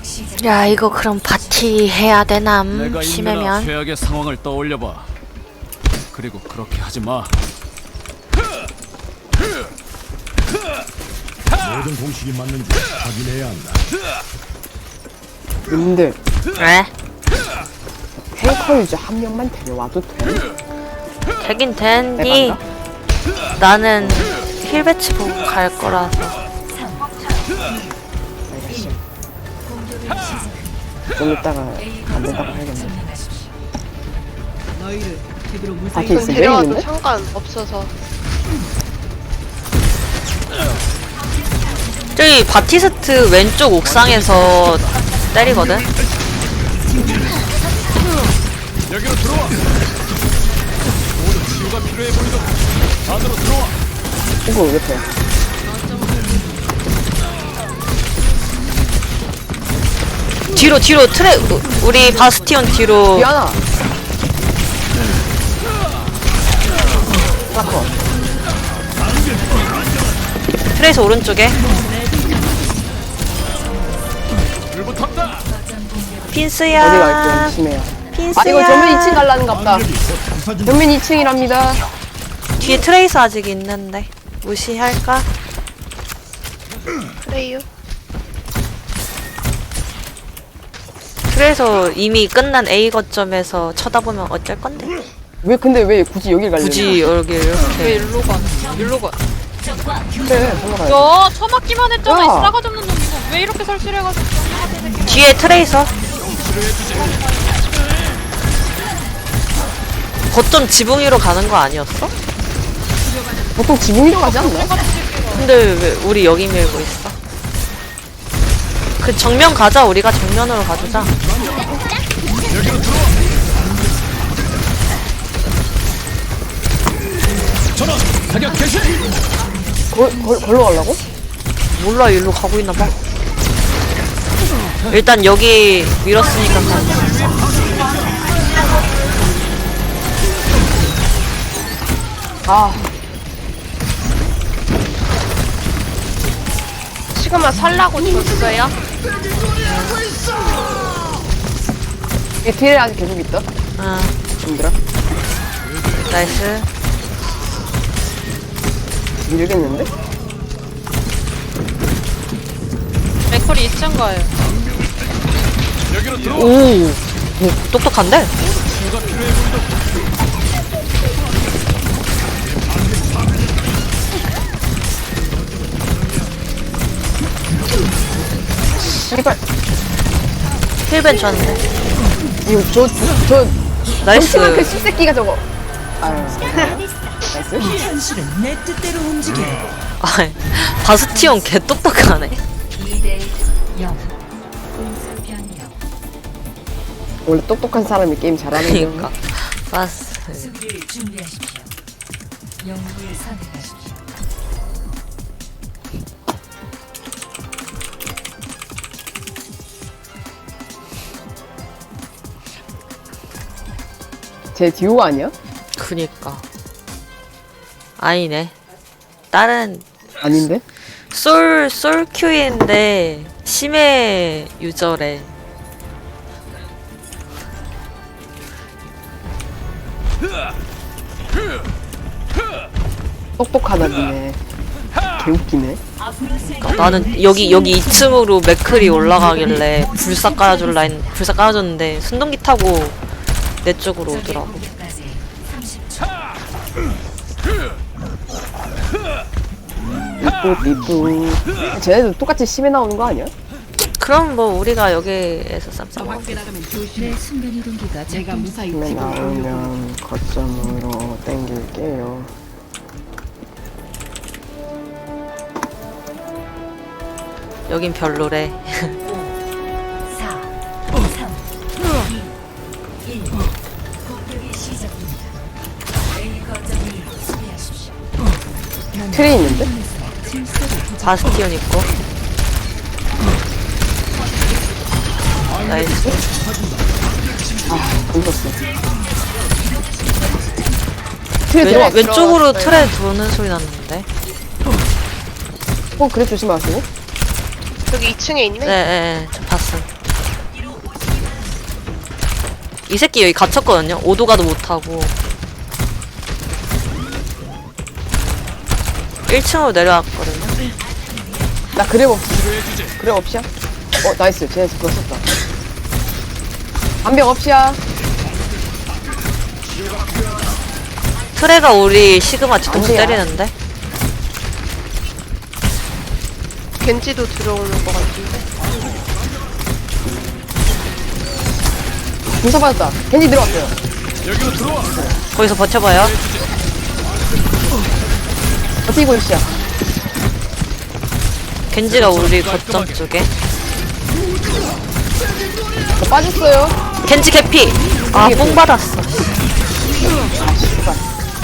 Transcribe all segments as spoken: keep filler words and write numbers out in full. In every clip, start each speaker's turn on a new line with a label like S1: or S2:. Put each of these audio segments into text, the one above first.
S1: 야 이거 그럼 바티 해야 되남?
S2: 내가
S1: 심해면
S2: 인류나 최악의 상황을 떠올려봐. 그리고 그렇게 하지 마.
S3: 모든 공식이 맞는지 확인해야 한다.
S4: 님들
S1: 왜?
S4: 탱커 유저 한 명만 데려와도 돼?
S1: 되긴 되니 나는 힐 배치 보고 갈 거라서.
S4: 알겠어. 좀 이따가 안 된다고 해야겠네. 바티
S5: 전
S4: 있으면 왜
S5: 데려와도
S4: 있는데?
S5: 상관없어서.
S1: 저기 바티스트 왼쪽 옥상에서 때리거든?
S2: 여기로 들어와. 모두 치유가 필요해 보이도 안으로 들어와.
S4: 이거 옆에.
S1: 뒤로 뒤로 트레 우리 바스티온 뒤로.
S4: 미안아. 라커.
S1: 트레이스 오른쪽에
S2: 불 붙었다.
S1: 핀스야.
S4: 어디 갈게 심해요.
S1: 핀스야.
S4: 아 이거 전면 이 층 갈라는가 보다. 전면 이 층이랍니다.
S1: 뒤에 트레이스 아직 있는데 무시할까?
S5: 그래요.
S1: 그래서 이미 끝난 A 거점에서 쳐다보면 어쩔 건데?
S4: 왜 근데 왜 굳이 여길 갈래?
S1: 굳이 여기
S6: 왜
S1: 이렇게.
S6: 일로 가? 일로 가.
S4: 그래 올라가야 돼.
S6: 야, 처맞기만 했잖아. 이
S4: 야.
S6: 싸가지 없는 놈 이거. 왜 이렇게 설실해가지고.
S1: 뒤에 트레이서. 거점 지붕 위로 가는 거 아니었어?
S4: 보통 지붕 위로 가지 않나?
S1: 근데 왜 우리 여기 밀고 있어? 그 정면 가자. 우리가 정면으로 가주자.
S2: 전원 사격 개시.
S4: 걸, 걸, 걸로 가려고?
S1: 몰라 일로 가고 있나 봐. 일단 여기 밀었으니까 가.
S4: 아
S5: 시그마 살라고 줬어요?
S4: 이 뒤에 아직 계속 있다.
S1: 아
S4: 힘들어.
S1: 나이스.
S4: 밀겠는데?
S6: 맥콜이 이 층 가요.
S2: 여기로 들어와.
S1: 오, 오 똑똑한데?
S2: 치유가 필요해 보이도
S4: 씨발
S1: 힐벤 줬는데.
S4: 이거 저저
S1: 나이스.
S4: 그 씹새끼가 저거. 아유 나이스.
S1: 아, 바스티온 개 똑똑하네.
S4: 원래 똑똑한 사람이 게임 잘하는 거.
S1: 그니까 바스.
S4: 제 듀오 아니야?
S1: 그니까. 아니네. 다른
S4: 아닌데?
S1: 솔 솔큐인데 심해 유저래.
S4: 똑똑하다 니네. 개웃기네.
S1: 그러니까 나는 여기 여기 이 층으로 맥클이 올라가길래 불사 깔아줄 라인 불사 깔아줬는데 순동기 타고 내 쪽으로 오더라고.
S4: 삐뿌 삐뿌. 쟤네도 똑같이 심해 나오는 거 아니야?
S1: 그럼 뭐 우리가 여기에서 쌈싸먹어.
S4: 심해 나오면 거점으로 땡길게요.
S1: 여긴 별로래.
S4: 트레이 있는데?
S1: 바스티온 있고. 나이스.
S4: 던졌어. 트레
S1: 왼,
S4: 들어왔어.
S1: 왼쪽으로 틀에 도는 소리 났는데.
S4: 어, 그래 조심하시고.
S5: 여기 이 층에 있네?
S1: 네네네 저 봤음. 이 새끼 여기 갇혔거든요. 오도 가도 못하고. 일 층으로 내려왔거든요.
S4: 나 그랩 없 그랩 없이야? 어 나이스 쟤네 그거 썼다. 반벽 없이야.
S1: 트레가 우리 시그마 뒤통수
S4: 안 돼요.
S1: 때리는데?
S5: 겐지도 들어오는 것 같은데.
S4: 공사 받았다. 겐지 들어왔어요.
S2: 여기로 들어와.
S1: 거기서 버텨봐요.
S4: 버티고 있이야.
S1: 겐지가 우리 거점 쪽에.
S4: 저 빠졌어요.
S1: 겐지 개피! 아, 뽕 받았어.
S4: 아 씨발.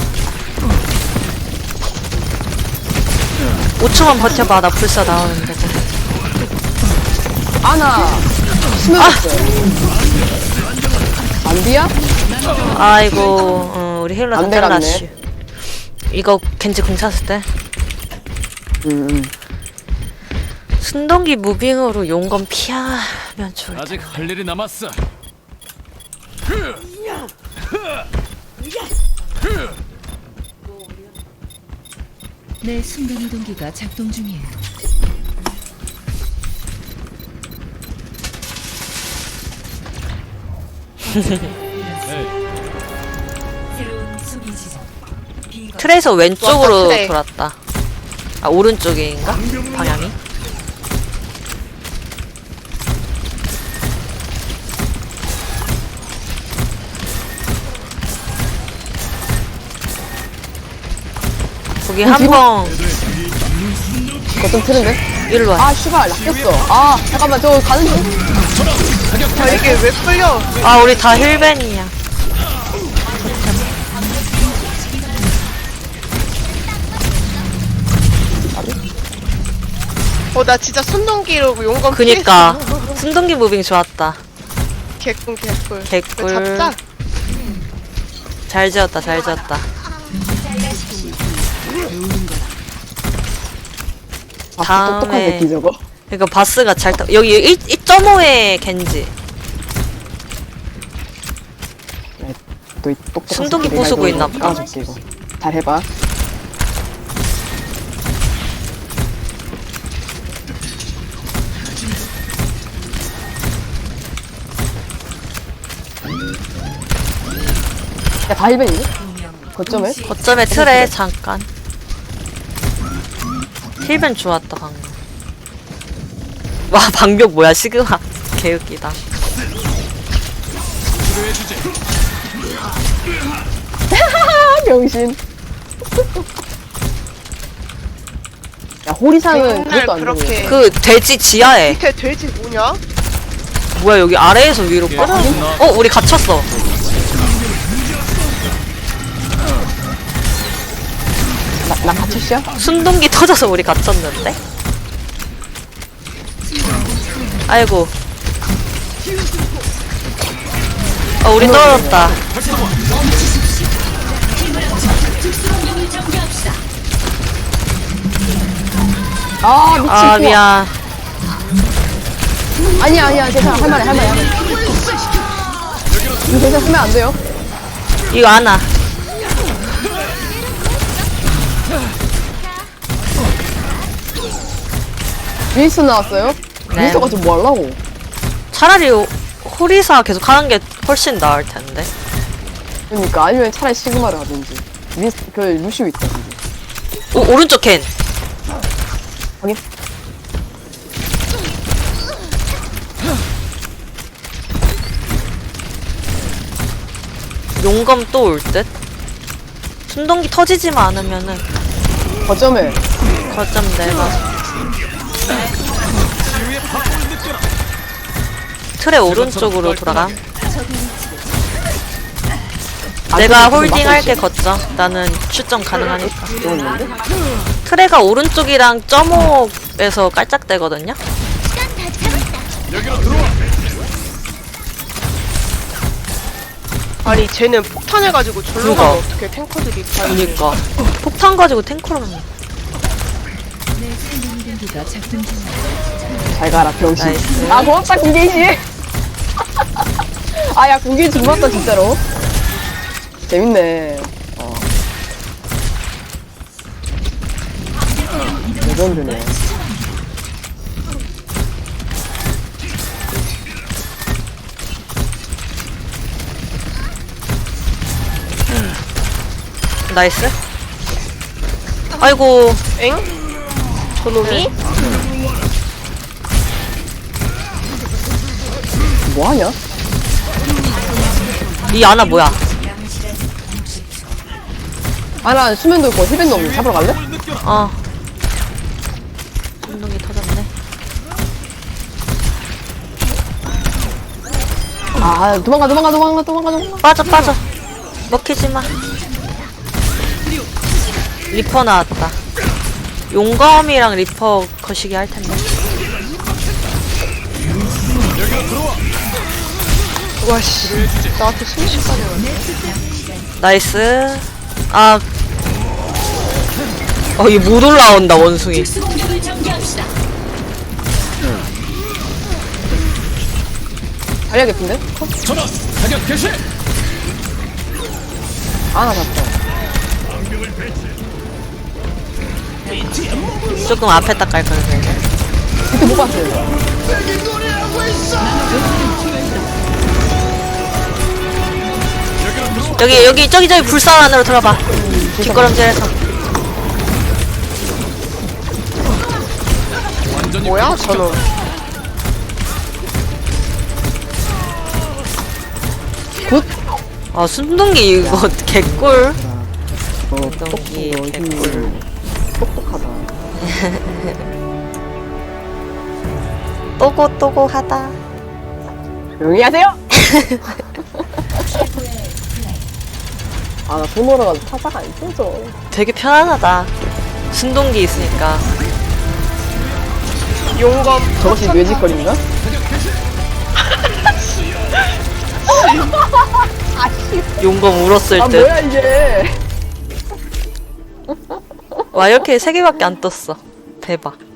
S1: 오 초만 버텨봐. 나 불사 나오는데.
S4: 아나 스며갔어요. 안비야?
S1: 아이고, 어, 우리 힐러 다
S4: 안 돼갔네.
S1: 잘라놨슈. 이거 겐지 공 찼을 때.
S4: 음, 음.
S1: 순동기 무빙으로 용검 피하면 좋을
S2: 아직 할 일이 남았어.
S7: 내 순간이동기가 작동 중이에요. 새로운 수비 지점. 비거.
S1: 트레에서 왼쪽으로
S5: 왔다, 트레.
S1: 돌았다. 아, 오른쪽인가? 방향이? 거기 한 번
S4: 거점 트는데?
S1: 일로 와.
S4: 아 씨발 낚였어. 아 잠깐만 저 가는 중.
S5: 아 이게 왜 끌려?
S1: 아, 우리 다 힐벤이야.
S5: 어 나 진짜 순동기로 용건
S1: 그니까 순동기 무빙 좋았다.
S5: 개꿀 개꿀.
S1: 개꿀.
S5: 이거 잡자.
S1: 잘 지었다, 잘 지었다.
S4: 아
S1: 다음에-
S4: 똑똑한 새끼 저거.
S1: 그러니까 바스가 잘 타. 여기 일 점 오에 겐지.
S4: 또이 똑똑한
S1: 순동기
S4: 새끼 내가
S1: 부수고
S4: 이거
S1: 있나 보다.
S4: 까줄게, 이거. 잘 해봐. 야, 다 힐벤이니? 거점에?
S1: 거점에 틀에 잠깐. 힐벤 좋았다 방금. 와, 방벽 뭐야, 시그마. 개웃기다.
S2: 치료해주지.
S4: 아, 병신. 야, 호리상은
S5: 맨날
S4: 그것도 안
S5: 그렇게
S4: 되네.
S1: 그 돼지 지하에.
S5: 밑에 돼지 뭐냐?
S1: 뭐야, 여기 아래에서 위로 끌어. 어, 우리 갇혔어.
S4: 나, 나 갇혔어?
S1: 순동기 터져서 우리 갇혔는데? 아이고. 어, 우리 떨어졌다.
S4: 아, 미친.
S1: 아,
S4: 우와.
S1: 미안.
S4: 아니야, 아니야. 괜찮아. 할만해, 할만해. 할만해. 이거 괜찮아. 쓰면 안 돼요.
S1: 이거 안아.
S4: 윈스턴 나왔어요?
S1: 네.
S4: 윈스턴가 좀 뭐 하려고?
S1: 차라리 호리사 계속 하는 게 훨씬 나을 텐데.
S4: 그러니까 아니면 차라리 시그마를 하든지. 윈스 그 루시오 있다든지.
S1: 오, 오른쪽 캔.
S4: 확인.
S1: 용검 또 올 듯? 순동기 터지지만 않으면은
S4: 거점에
S1: 거점 내가 틀의 오른쪽으로 돌아가. 내가 홀딩 할게 거점. 나는 출점 가능하니까. 트레가 오른쪽이랑 점오에서 깔짝대거든요?
S2: 여기로 들어와.
S5: 아니 쟤는 폭탄해가지고 절로
S1: 그거.
S5: 가면 어떻게 탱커들이 다
S1: 그니까 폭탄 가지고 탱크로 하는
S7: 내 순간이동기가 작동 중이에요.
S4: 잘 가라 병신.
S1: 나이스.
S4: 아 고맙다 김계희 씨. 아, 야, 공기 지금 왔다, 진짜로. 재밌네. 어. 레전드네.
S1: 나이스. 아이고.
S5: 엥? 저놈이?
S4: 뭐하냐?
S1: 이 아나 뭐야?
S4: 아, 나 수면도 있고 힐밴도 없는데 잡으러 갈래?
S1: 어. 운동이 터졌네.
S4: 아, 도망가, 도망가, 도망가, 도망가, 도망가.
S1: 빠져 빠져. 먹히지 마. 리퍼 나왔다. 용검이랑 리퍼 거시기 할 텐데.
S5: 와씨. 나한테 순식간에 왔네.
S1: 나이스. 아. 어, 얘 못 올라온다, 원숭이.
S4: 달려 개픈데?
S2: 전원 사격 개시.
S4: 아, 나 잡다.
S1: 조금 앞에 딱 갈 거야.
S4: 그때 못 봤어요.
S1: 여기 여기 저기 저기 불사 안으로 들어봐. 뒷걸음질해서.
S2: 완전히
S5: 뭐야 저놈.
S1: 아 순둥이 이거 개꿀.
S4: 어,
S1: 순둥이
S4: 똑똑해.
S1: 개꿀.
S4: 똑똑하다.
S1: 또고 또고하다.
S4: 조용히 하세요! 아, 나 돈 벌어가지고 타사가 안 펴져.
S1: 되게 편안하다. 순둥기 있으니까.
S5: 용검.
S4: 저것이 뇌짓거리인가?
S1: 용검 울었을
S4: 아,
S1: 듯.
S4: 뭐야, 이게.
S1: 와 이렇게 세 개밖에 안 떴어. 대박.